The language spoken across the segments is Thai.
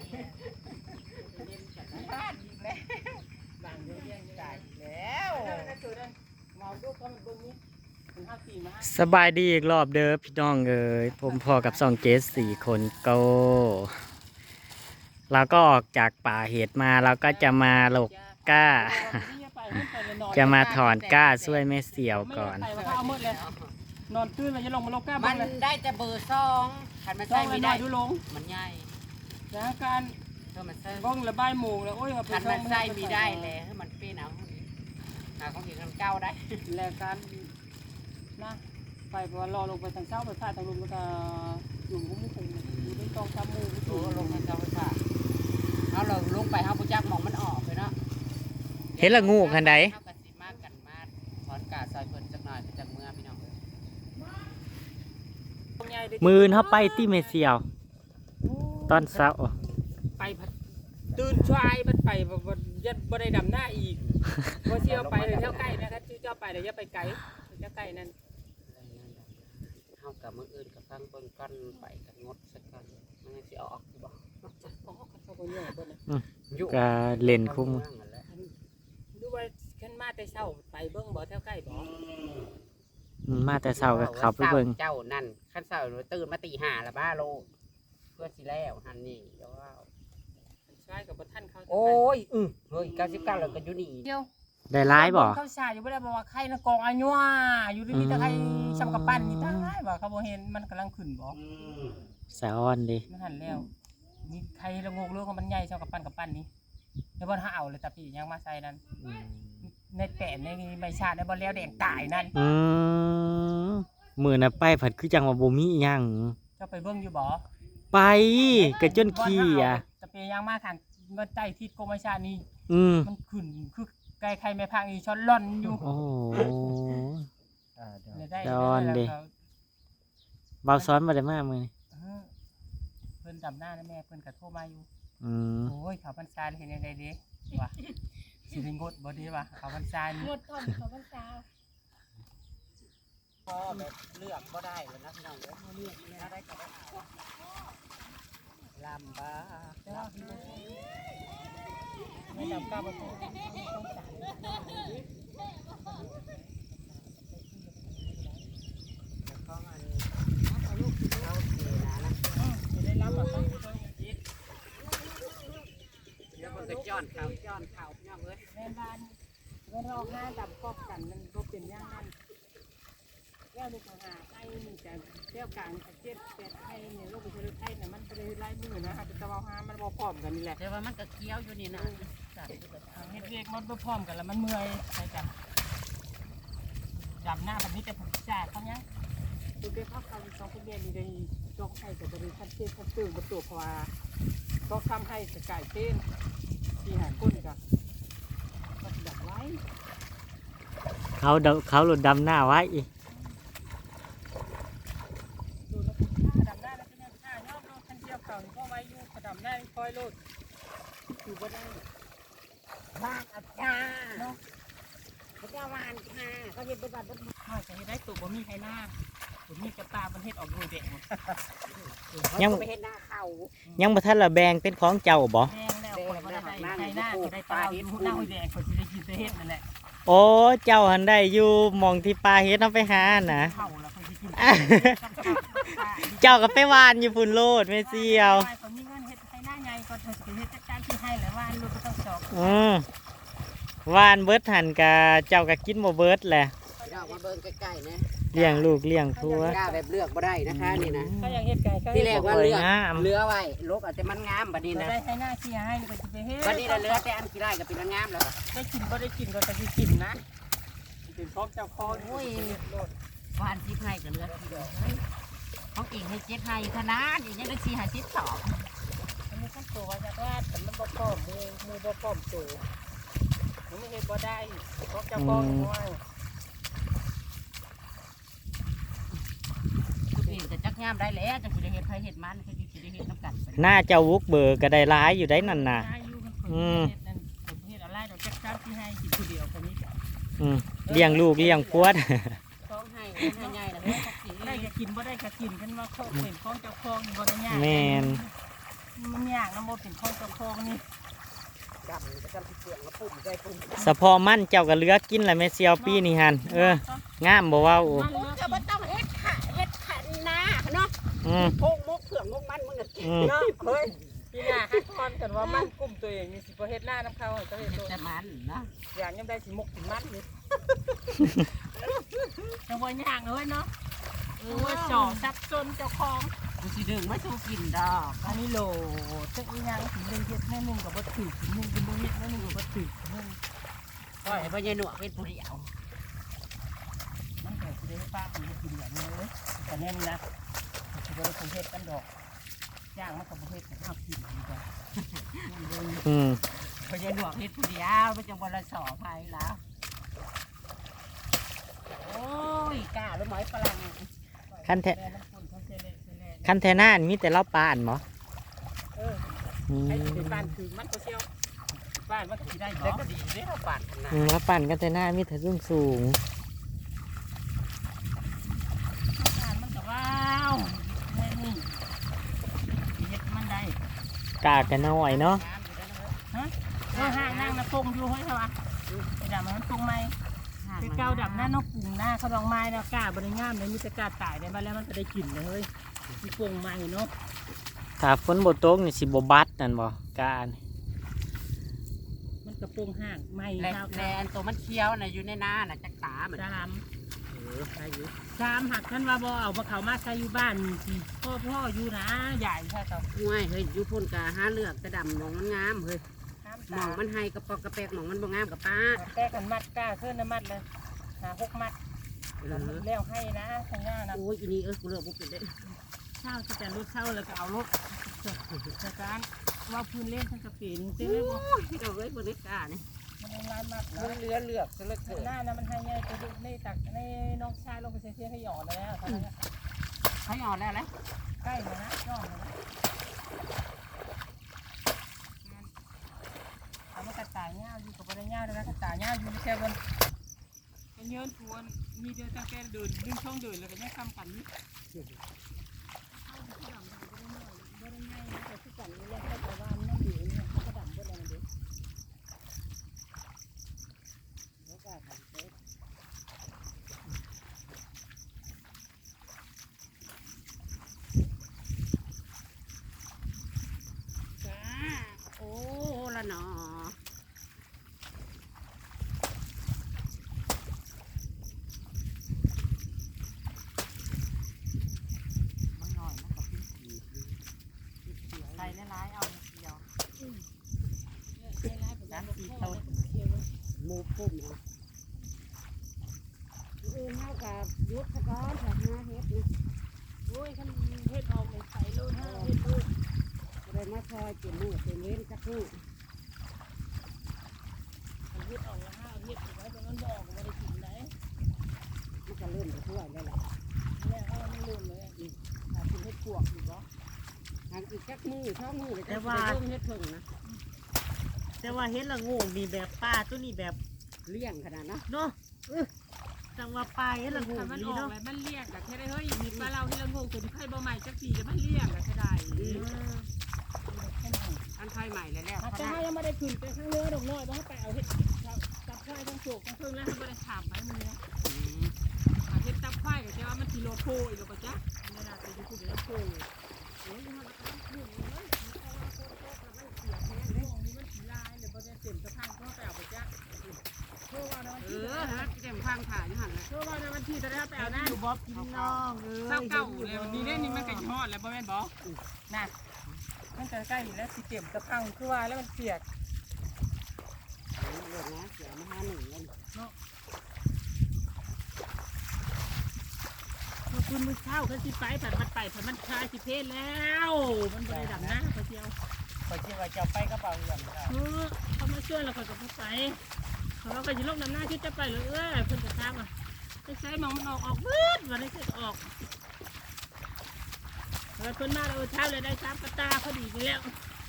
บ้านอีกแล้วบางเรื่องยังได้แล้วเมาดูเขามันเบิ่งนี้สบายดีอีกรอบเด้อพี่น้องเอ้ยผมพอกับ2เกส4คนโกเราก็ออกจากป่าเห็ดมาเราก็จะมาหลกก้าจะมาถอนก้าช่วยแม่เสี่ยวก่อนนอนตื่นแล้วจะลงมาลกก้ามันได้แต่เบอร์2คันมันใส่ไม่ได้ดูลงมันใหญ่นะการเธอมันใส่บ้องระบายหมูแล้วโอ้ยคันมันใส่ไม่ได้แล้วให้มันเป็นเอาหาของอีกคันเก่าได้แล้วการนะไปเพราะว่ารอลงไปทางเช้าไปผ่าทางลมแล้วก็อยู่มุ้งมุ้งอยู่ในกองทำหมูโอ้ลงทางเก่าไปค่ะเอาเราลงไปเฮาบ่จักมองมันออกเลยเนาะเห็นละงูคันใดเฮาก็สิมากันมาถอนกาซอยเพิ่นจักหน่อยจักเมื่อพี่น้องมือเข้าไปที่แม่เสี่ยว ตอนเช้าไปตื่นชายมันไปยัดบ่ได้ดำหน้าอีกพอเที่ยวไปเลยเที่ยวใกล้นะครับที่เจ้าไปเลยอย่าไปไกลเที่ยวใกล้นั่นเฮากับมื้ออื่นก็ฟังเบิ่งกันไปกันงดสักกันมันยังสิออกอยู่บ่ก็เล่นคุ้มดูว่าขึ้นมาแต่เช้าไปเบิ่งบ่เที่ยวใกล้บ่มาแต่เช้าก็ขับไปเบิ่งเจ้านั่นคันเช้าตื่นมาตี5แล้วบ้าโลเพื่อสิแล้วหันนี่เดี๋ยวว่าชายกับบ่ทันเขาโอ้ยเฮ้ย99แล้วก็อยู่นี่เดียวได้ร้ายบ่เขาชายอยู่บ่ได้บอกว่าใครนะกองอาญัวอยู่มีแต่ใครชำกับปั้นนี่ตายบ่เขาบ่เห็นมันกำลังขึ้นบ่สะอ้อนดิมันหันแล้วนี่ใครละงกเรื่องของมันใหญ่ชำกับปั้นนี่แล้วบ่หาเอาเลยตาพี่ยังมาใส่นั่นในแป้นในใบชาในบ่แล้วแดงตายนั่นมือน่ะไปผัดคือจังว่าบ่มีอิหยังเจ้าไปเบิ่งอยู่บ่ไปก็จนขี้อ่ะตะเปียยังมาขังมันใต้ทิศกรมประชานี่ มันขึ้นคือไกลใครไม่พังอีช้อนล่อนอยู่โอ้โหได้ดอนดิ เบาซ้อนบ่ได้มามื้อนี้เพิ่นดำหน้านะแม่เพิ่นก็โทรมาอยู่ โอ้ยเขาพรรษาเห็นได้เด้ว่ะสิได้งดบ่ดีว่ะเขาพรรษานี่งดก่อนเขาพรรษาพอแบบเลือกบ่ได้แล้วนะพี่น้องเด้อเลือกแล้วได้ก็ได้เอาลำบากไม่ดำก้าวบ่ต้องสารแล้วก็อันเอาลูกเอาเสียนะสิได้รับแบบต้องเดี๋ยวมันก็ย้อนเข่าพี่น้องเอ้ยแม่บ้านเงินเราห้าดำกอบกันมันบ่เป็นอย่างนั้นแก้วนี่ก็หาไอ้นี่แต่แก้วกลาง7 8ไอ้เนี่ยลูกไปซื้อไข่น่ะมันบ่ได้หลายมื้อนะอาจจะว่าหามันบ่พร้อมกันนี่แหละแต่ว่ามันก็เคี้ยวอยู่นี่นะเฮ็ดเรียกมันบ่พร้อมกันแล้วมันเมื่อยใช่กันดำหน้าแบบนี้แต่ผมจ่ายเขาเนี้ยตัวเด็กเขาเขาสองคนเรียนนี่ได้จองให้กับบริษัทเต้นเขาตื่นประตูเพราะว่าก็ทำให้สกายเต้นที่หาคนกับก็ดับไว้เขาหลุดดำหน้าไว้อีกดูแล้วถ้าดำหน้าแล้วก็เนี่ยถ้ายอมโลดทันเที่ยวเก่านี่ก็ไว้อยู่เขาดำหน้าคอยโลดอยู่บ่ได้บ้านอาจารย์พระเจ้าวานค่ะเขาเห็นเป็นบ้านถ้าจะให้ได้ตัวบ่มีใครหน้าบ่มีกระตามันเฮ็ดออกด้วยเด็กยังไปเห็นหน้าเขายังบ่ทันละแบ่งเป็นของเจ้าบ่แดงแล้วคนบ่ได้ใครหน้าก็ได้ตาอยู่หน้าแดงคนสิได้กินแต่เฮ็ดนั่นแหละโอ้เจ้าหันได้อยู่หมองที่ปลาเฮ็ดเอาไปหาน่ะเข่าแล้วคนสิกินเจ้าก็ไปหวานอยู่พุ่นโลดแม่เสี่ยวคนมีเงินเฮ็ดให้หน้าใหญ่ก็เธอสิเฮ็ดจัดการที่ให้แล้วว่าลูกก็ต้องสอบหวานเบิดหันกะเจ้าก็กินบ่เบิดแหละเรามาเบิ่งใกล้ๆนะเลี้ยงลูกเลี้ยงครัวกล้าแบบเลือกบ่ได้นะคะนี่นะเขาอยากเฮ็ดไก่ก็ที่แรกว่าเลือกงามเลือไว้ลกอาจจะมันงามบัดนี้นะได้ให้หน้าเสียให้ก็สิไปเฮ็ดบัดนี้เราเลือแต่อันที่ได้ก็เป็นอันงามแล้วได้กินบ่ได้กินก็จะสิกินนะเป็นพร้อมเจ้าของโอ้ยหวานที่ให้ก็เลือกที่เดียวของอีกให้7ให้ขนาดอีกยังได้4 50สอบอันนี้ขั้นตัวว่าจะว่าแต่มันบ่พร้อมมือบ่พร้อมตัวมันไม่เฮ็ดบ่ได้ของเจ้าของน้อยคุณเองจะจักงามได้แล้วจังสิได้เฮ็ดไผเฮ็ดมันคือสิได้เฮ็ดนำกันหน้าเจ้าวุกเบอร์ก็ได้ร้ายอยู่ได้นั่นน่ะเฮ็ดอะไรดอกจักที่ให้กินทีเดียวคนนี้เลี้ยงลูกเลี้ยงครัวต้องให้ใหญ่ๆนะเฮ้ยของสิได้ก็กินบ่ได้ก็กินคันว่าเขาเป็นของเจ้าของบ่ได้ยากแม่นมันยากางน้ำมันเป็นข้องเจ้าของนี่ดำจะกำเสียงมาปุ่มใจปุ่มสะพอมั่นเจ้าก็เหลือกินแหละแม่เสียวปีนี่หันงามบ่เว้ามันมึงก็บ่ต้องเฮ็ดขะนาเนาะอืมโพงมกเผือกมกมันมึงน่ะอืมเนาะเฮ้ยพี่หน้าฮักทอนกันว่ามันกุ้มตัวเองนี่สิบ่เฮ็ดหน้าน้ำเขาเจ้าเฮ็ดโดนแต่มันนะอย่างยังได้สิมกสิมันนี่จังบ่ย่างเลยเนาะว่าจ่อซับจนเจ้าของกูสิดึงมาสู้กินดอกอันนี้โหลจักอีหยังถึงได้เฮ็ดแม่นึงก็บ่ถือถึงนึงกินบ่เฮ็ดแม่นึงก็บ่ถือนึงปล่อยให้พ่อใหญ่หนวกเป็นผู้เดียวมันก็สิได้ป้ามันกินอย่างนี้เลยแต่แน่นนะสิบ่ได้คงเฮ็ดกันดอกย่างมันก็บ่เฮ็ดให้เฮากินดีกว่าอืมพ่อใหญ่หนวกเฮ็ดผู้เดียวมันจังบ่ละสอภัยแล้วโอ้ยกล้าแล้วหมอยฝรั่งคันแท้แม่น้ำปุ่นเขาเซเล่เซเล่คันแท้หน้านี่มีแต่เล่าปานบ่เอออืมไอ้ที่เป็นบ้านคือมันก็เชียวบ้านมันก็สิได้แต่บ่ก็ดีเด้เราปาดขนาดแล้วปั่นกันแต่หน้ามีแต่สูงบ้านมันก็ว้าวแม่นี่เฮ็ดมันได้กากันน้อยเนาะห่างนั่งนะปงอยู่เฮ้ยเขาว่าไอ้ดำมันปงไหมคือเก้าดำหน้านกปุ่งหน้าเขาดองไม้นะกล้าบริงามเลยมีแต่กล้าตายได้มาแล้วมันจะได้กลิ่นเลยเฮ้ยมีปงไหมเนาะถ้าฝนบ่ตกนี่สิบ่บัดนั่นบ่กานี่มันกระปงห่างไหมแลข้าวแลนตัวมันเคี้ยวน่ะอยู่ในนาน่ะจักตามันสามใช่อยู่สามหักท่านว่าบ่เอามาเขามาใช้อยู่บ้านที่พ่ออยู่นะใหญ่ใช่ต่อห่วยเฮ้ยอยู่พุ่นกะหาเลือกแต่ดำหมองมันงามเฮ้ยหมองมันให้กระปอกกระแปกหมองมันบ่งามกับป้าแก้กันมัดกล้าขึ้นน้ำมัดเลย6 มัดเออแล้วให้นะทางหน้านะโอ้ยอีนี่กูเลือกบ่เป็นได้เช่าจะแต่รถเช่าแล้วก็เอารถจากการว่าพื้นเล่นทั้งกระปีนเต้นเลยบ่โอ้ยพี่ดอกเอ้ยบ่ได้กล้านี่มันเป็นลายมัดมันนะเหลือเลือกซะเหลือเกินหน้านะมันให้ใหญ่ตัวในตักในน้องชายลงไปเสียให้หยอดแล้วให้อ่อนแล้วแหละใกล้มานะย่อมานะเอามากระต่ายเงาอยู่กับอะไรเงาเลยนะกระต่ายเงาอยู่แค่บนเป็นเยือนทวนมีเดียวตั้งแต่เดินดึงช่องเดินแล้วก็ยังทำกันนี่แต่ที่กันนี่แหละแต่ว่ามันนั่งอยู่เนี่ยเขาดำเพื่ออะไรมันดีแล้วก็ทำเสร็จจ้าโอ้ละหนอมันหน่อยมันก็พิ้งขีดใส่ร้ายๆเอาเดียว3-4ต้นหมูพุ่มเนาะอื่นเท่ากับยุทธกรถ้าหาเฮ็ดนะโอ้ยขันเฮ็ดออกใส่โลนะเฮ็ดลูกเลยมาซอยเต็มมือเต็มเว้นจักมือเฮ็ดออกละห้าเฮ็ดไว้ตรงนั้นบอกว่าได้กินไหนมันก็เริ่มจะช่วยได้แหละแม่เขาไม่ลืมเลยหากินเฮ็ดปวกอยู่บ่ทางอีกจักมือช่องมือเลยจะเริ่มเฮ็ดเพิ่งนะแต่ว่าเฮ็ดละงูมีแบบป้าตัวนี้แบบเลี้ยงขนาดนะเนาะจังว่าปลาเฮ็ดละงูมันออกแล้วมันเลี้ยงก็แค่ได้เฮ้ยมีปลาเราเฮ็ดละงูคือไผบ่ใหม่จักปีแล้วมันเลี้ยงก็แค่ได้อันไทยใหม่เลยแล้วถ้าจะให้ยังไม่ได้ขึ้นไปข้างเรือดอกน้อยบ่ให้ไปเอาเฮ็ดตับควายทั้งโศกทั้งเพิ่งแล้วบ่ได้ถามไปมื้อนี้เฮ็ดตับควายก็จะว่ามันสิโลโพอีกแล้วบ่จ๊ะนี่น่ะสิอยู่ที่โลโพโอ้ยมันก็ต้องขึ้นเลยมันเสียแท้เลยมันสิลายเลยบ่ได้เต็มสะพังก็ไปเอาไปจ๊ะโทรว่านะวันที่ฮะเต็มข้างถ่ายอยู่หันเลยโทรว่านะวันที่จะได้ไปเอานะอยู่บ่พี่น้องเศร้าเก่าเลยวันนี้เด้นี่มันก็ยอดแล้วบ่แม่นบ่น่ะมันจะใกล้แล้วสิเต็มสะพังคือว่าแล้วมันเปียกเรื่องนะเสียมา5-1เลยคุณมือเช้ากันสิไปผัดมันไปผัดมันคลายสิเพศแล้ว มันบริดับนะพอเที่ยวไปคิดว่าจะไปกระเป๋าเงินเขามาช่วยเราก็จะไปเราก็จะลงน้ำหน้าที่จะไปเลยเพิ่นจะทำอ่ะไปใช้มองมันออกมืดวันนี้ก็ออกเพิ่นมาเราเช้าเลยได้3 กระตาพอดีไปแล้ว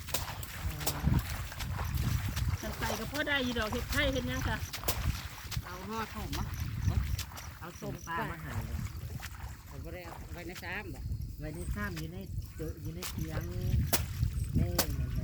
กันใส่ก็พอได้ยีดอกเห็ดไข่เห็ดยังค่ะเอาห่อส้มมาเอาส้มปลามาหาผมก็ได้เอาไว้ในซ้ำบ่ไว้ในซ้ำอยู่ในเตียงนี่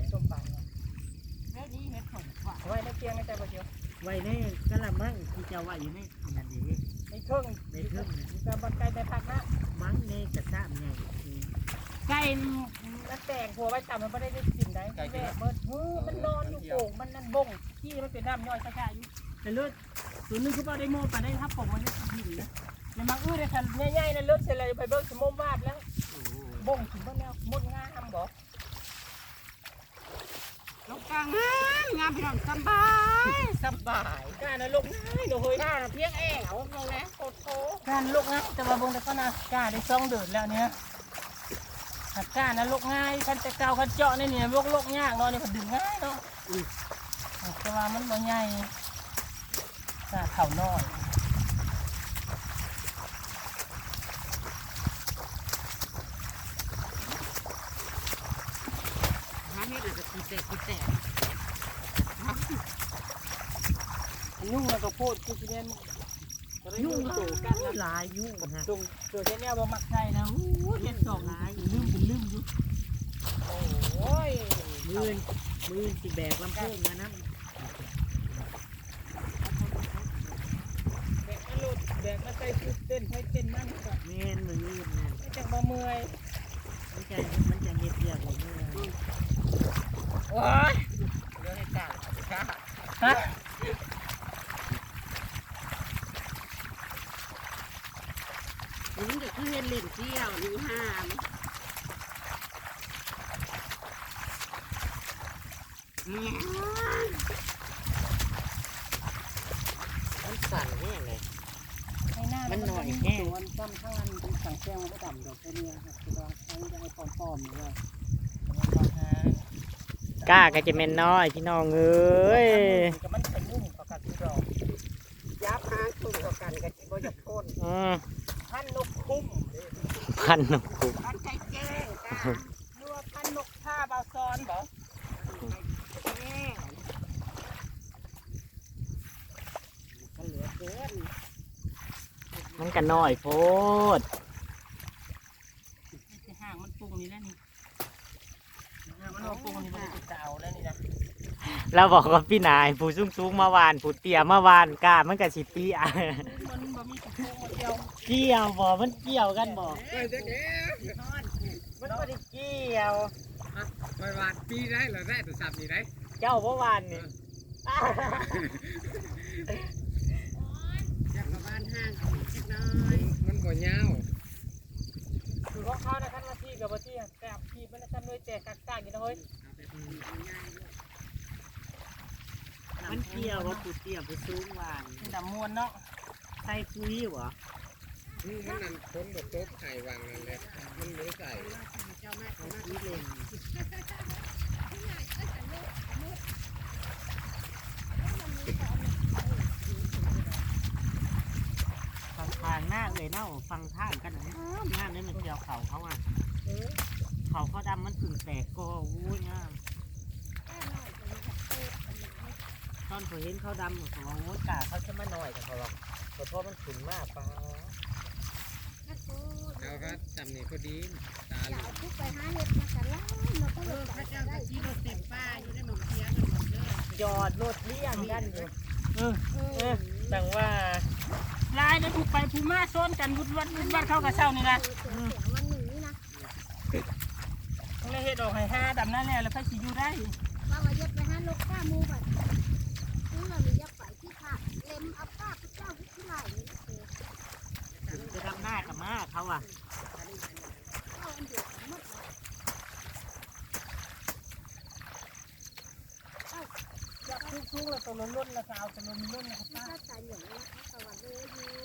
ไว้ในกะละมังที่จะไว้อยู่ในนั่นเองในเครื่องในเครื่องจะบันไก่ในผักนะมังในกระซ่าใหญ่ไก่มันแตกหัวไว้ต่ำมันไม่ได้กินได้แม่เบิดมันนอนอยู่โป่งมันนั่นบ่งที่มันเป็นน้ำย่อยช้าๆอยู่แต่เลือดส่วนนึงคือว่าได้โม่ไปได้ครับผมวันนี้หิวนะในมังได้คันใหญ่ๆนั่นเลือดเสร็จเลยไปเบิกสมมวาดแล้วบ่งถึงบ้านแล้วมดงามบอกลูกกลางงามพี่น้องสบายการนะลูกง่ายเดี๋ยวเฮ้ยกล้าเพียงแอวลงแล้วโคตรโถการลูกง่ายแต่ว่าบงแต่ก็นะกล้าได้ซ่องเดือดแล้วเนี่ยหักกล้านะลูกง่ายคันจะเกาคันเจาะนี่เนี่ยลูกยากเนาะนี่มันดึงง่ายเนาะแต่ว่ามันบ่ใหญ่กล้าเข่าน้อยหาเม็ดอาจจะคิดแต่ยุ่งแล้วก็พูดคือสิเล่นยุ่งโตกันนะลายยุ่งฮะตรงตัวแค่นี้บ่มักใช่นะเห็นสองลายลืมเป็นลืมอยู่โอ้ยมือสิแบกลำโพงมานะแบกมาหลุดแบกมาใส่ชุดเต้นให้เต้นนั่นก็แม่นมือนี่นะไม่จังบ่เมื่อยมันจะเฮ็ดเรียกว่ามือโอ้ยเรื่องให้กล้าฮะนี่ก็คือเห็นเล่นเที่ยวนี่ห้ามมันสั่นแห้งเลยให้หน้ามันหน่อยแค่วันซ้ำข้างนั้นเป็นสังแก้วมันก็ดำดอกแค่นี้ครับคือว่าใช้ได้ปลอมๆนี่ว่าก้าก็จะเป็นน้อยพี่น้องเอ้ยก็มันเป็นนุ่มประกาศที่ดอกยับหางตุ่มกับกันกับที่บ่อยากโค่นพันนกคุ้มพันนกขุมมันใจแจ้งจ้านัวพันนกท่าบาซอนบ่แจ้งก็เหลือเกินมันก็น้อยโพดห่างมันปรุงนี่แล้วนี่มันเอาปรุงนี่มันจะเก่าแล้วนี่นะเราบอกว่าพี่นายผู้สูงๆมาวานผู้เตี้ยมาวานกล้ามันก็สิเตี้ยมันบ่มีปรุงมาเดียวเกี่ยวบ่มันเกี่ยวกันบ่มันบ่ได้เกี่ยวไปวาดปีได้เหรอได้ตัวสับนี่ได้เจ้าเมื่อวานนี่อยากกลับบ้านห้างเอาอีกสักน้อยมันบ่ยาวคือของเขานะคันมาที่กับมาที่แต่ที่มันทำด้วยแต่กักๆอยู่นะเฮ้ยมันเกี่ยวว่าผู้เตี้ยผู้สูงหวานดำมวนเนาะใส่คุยเหรอมันนั่นพ้นบทโต๊ะไข่วางนั่นเลยมันไม่ใส่เขาคุยเล่นฟังทางหน้าเลยเน่าฟังทางกันนะงานนี้มันเกี่ยวเขาอ่ะเขาดำมันถึงแตกก็วุ้ยงามตอนเขาเห็นเขาดำเขาบอกโอ้ยกาเขาจะมาหน่อยแต่เขาบอกเพราะมันขุนมากปะแล้วก็จำนี่พอดีตาหลุดพระเจ้าก็ชี้รถเต็มป้าอยู่ในหนองเทียนหมดเลยยอดรถเลี้ยงกันอยู่แต่ว่าลายได้ผูกไปผูมาซ้อนกันวุดวัดเข้ากับเช้านี่นะต้องเลยเฮ็ดออกให้ห้าดำนั่นแหละแล้วไปสิอยู่ได้ว่าว่ายัดไปหาลูกก้ามูบัดซื้อเรามียัดไปที่ขาเล็มเอาป้าพุทธเจ้าพุทธไหลนี่จะทำหน้ากับมาเขาอ่ะเอาอันเดียวหมดอยากทุกๆแล้วตัวล้นๆแล้วก็เอาตัวล้นๆนะครับถ้าป้าตายอย่างนี้นะคะสวัสดีอยู่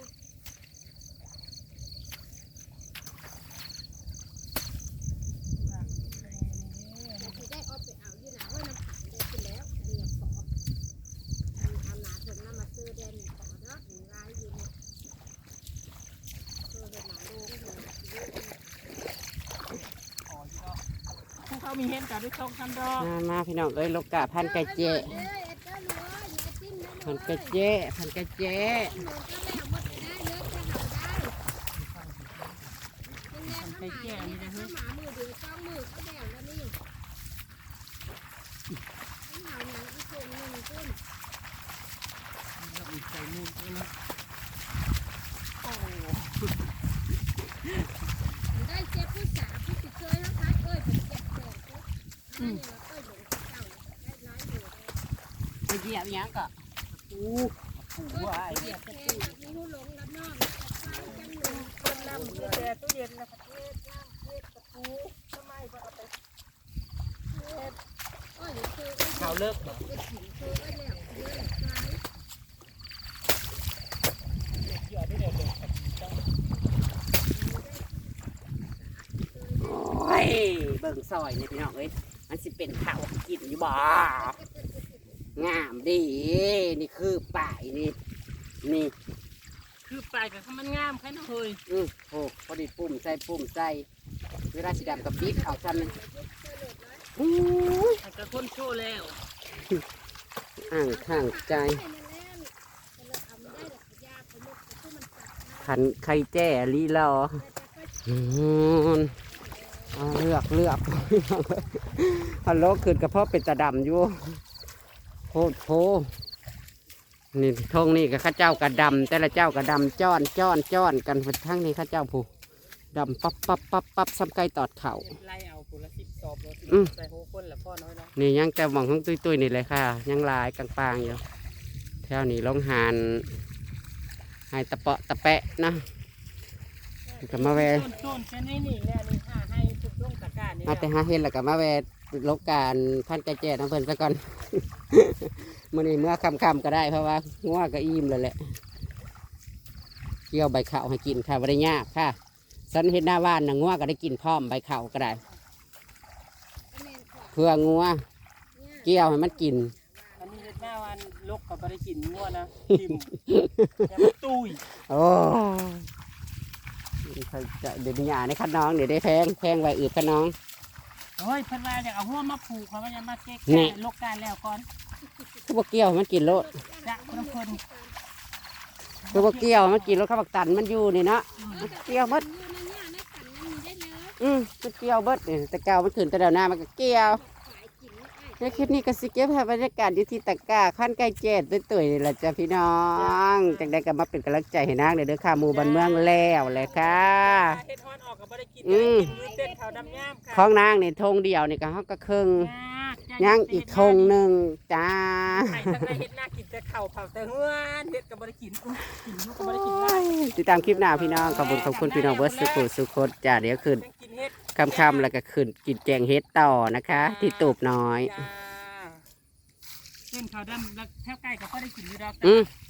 แต่ที่ได้เอาไปเอาอยู่หนาว่าน้ำขังได้ขึ้นแล้วเรียบขอเอาหนาถึงน้ำมาซื้อแดนขอเนาะหนึ่งลายอยู่เนี่ยเห็นหนาลูกเห็นหนาลูกขออยู่เนาะผู้เขามีเห็นกันด้วยช่องคันดอกมาพี่น้องเอ้ยลูกกะพันกะเจพันกะเจพันกะเจไปแก่นี่นะฮะหมามือเดียวจ้องมือก็แดวแล้วนี่หาหนังอีกคนหนึ่งขึ้นอีกใส่มือนี่นะโอ้ได้เจ็บผู้สาวผู้ติดเชื้อแล้วคะเอ้ยผมเจ็บแสบปุ๊บนี่ว่าเอ้ยหลงเจ้าได้ร้ายอยู่ไปเหยียบยังก็ปูเอ้ยเจ็บแค่แบบนี้หูหลงรับน้องไฟจังหนึ่งต้นน้ำเดือดตู้เย็นนะประเทศน้ำเทศตะปูทำไมบ่เอาไปเทศเอ้ยคือเอ้ยเขาเลิกบ่เอ้ยถิ่นคือเอ้ยแล้วเอ้ยไฟเดี๋ยวได้เดี๋ยวเดี๋ยวต้องโอ้ยเบิ่งซอยเนี่ยพี่น้องเอ้ยมันสิเป็นข้าวกินอยู่บ่งามดีนี่คือป่ายนี่คือปลายกับมันงามแค่นั้นเลยโอ้พอดีปุ่มใส่เวลาสีดำกับบิ๊กเอาซ้ำนึงอู้ยอาจจะคนโชว์แล้วอ่างข้างใจขันไข่แจ้ลีรอเอาเลือกฮัลโหลขึ้นกระเพาะเป็นตาดำอยู่โพนี่ทงนี่กับข้าเจ้ากระดำแต่ละเจ้ากระดำจ้อนกันทั้งนี้ข้าเจ้าผู้ดำปั๊บซ้ำไก่ตอดเข่าไล่เอาคนละ10 สอบเลยใส่โหคนละพ่อน้อยเนาะนี่ยังแต่หมองของตุ้ยนี่เลยค่ะ ยังลายกลางปางอยู่แถวนี้ลงหานให้ตะเปาะตะแปะนะก็มาแวะต้นแค่นี้นี่แหละนี่ให้ทุกลงตะกร้านี่มาแต่หาเห็นแล้วก็มาแวะลบการพันไก่แจ้น้ำเพิ่นซะก่อน มื้อนี้เมื่อค่ำๆก็ได้เพราะว่างัวก็อิ่มแล้วแหละเกี่ยวใบข้าวให้กินค่ะบ่ได้ยากค่ะสันเฮ็ดหน้าบ้านน่ะงัวก็ได้กินพร้อมใบข้าวก็ได้เพื่องัวเกี่ยวให้มันกินอันนี้หน้าวันลกกับบริกินงัวนะทิมอย่ามาตุ้ยโอ้เดี๋ยวหยาในคันน้องเดี๋ยวได้แพงไว้อืดคันน้องโอ้ยเพิ่นว่าอยากเอาหัวมาผูกเขาว่าจะมาเก๊กนี่ลกการแล้วก่อนคือบ่เกี่ยวให้มันกินโลดจะคนคนคือบ่เกี่ยวให้มันกินโลดข้าวบักตันมันอยู่นี่เนาะมันเกี่ยวหมดมันเกี่ยวเบิดนี่แต่เก่ามันขึ้นแต่เดี๋ยวหน้ามันก็เกี่ยวในคลิปนี้ก็สิเก็บภาพบรรยากาศอยู่ที่ตะกร้าขั้นใกล้เจ็ดตุ้ยๆนี่แหละจ้ะพี่น้องจังได้ก็มาเป็นกำลังใจให้นางเด้อค่ะหมู่บ้านเมืองแล้วเลยค่ะเฮ็ดฮอนออกกับบริกินได้กินอยู่เต้นเขาดำย่ามค่ะของนางนี่ธงเดียวนี่ก็เฮาก็ครึ่งยังอีกธงหนึ่งจ้าไข่ทั้งได้เฮ็ดหน้ากินแต่เข่าเผาแต่เฮือนเฮ็ดกับบริกินกินอยู่กับบริกินไล่ติดตามคลิปหน้าพี่น้องขอบคุณพี่น้องเบิร์ดสุโคตจ้าเดี๋ยวขึ้นยังกินเฮ็ดคำแล้วก็ขึ้นกินแกงเฮ็ดต่อนะคะ ที่ตูบน้อยจ้าเส้นเขาดำแล้วแถวใกล้ก็บ่ได้กินอยู่ดอกอืม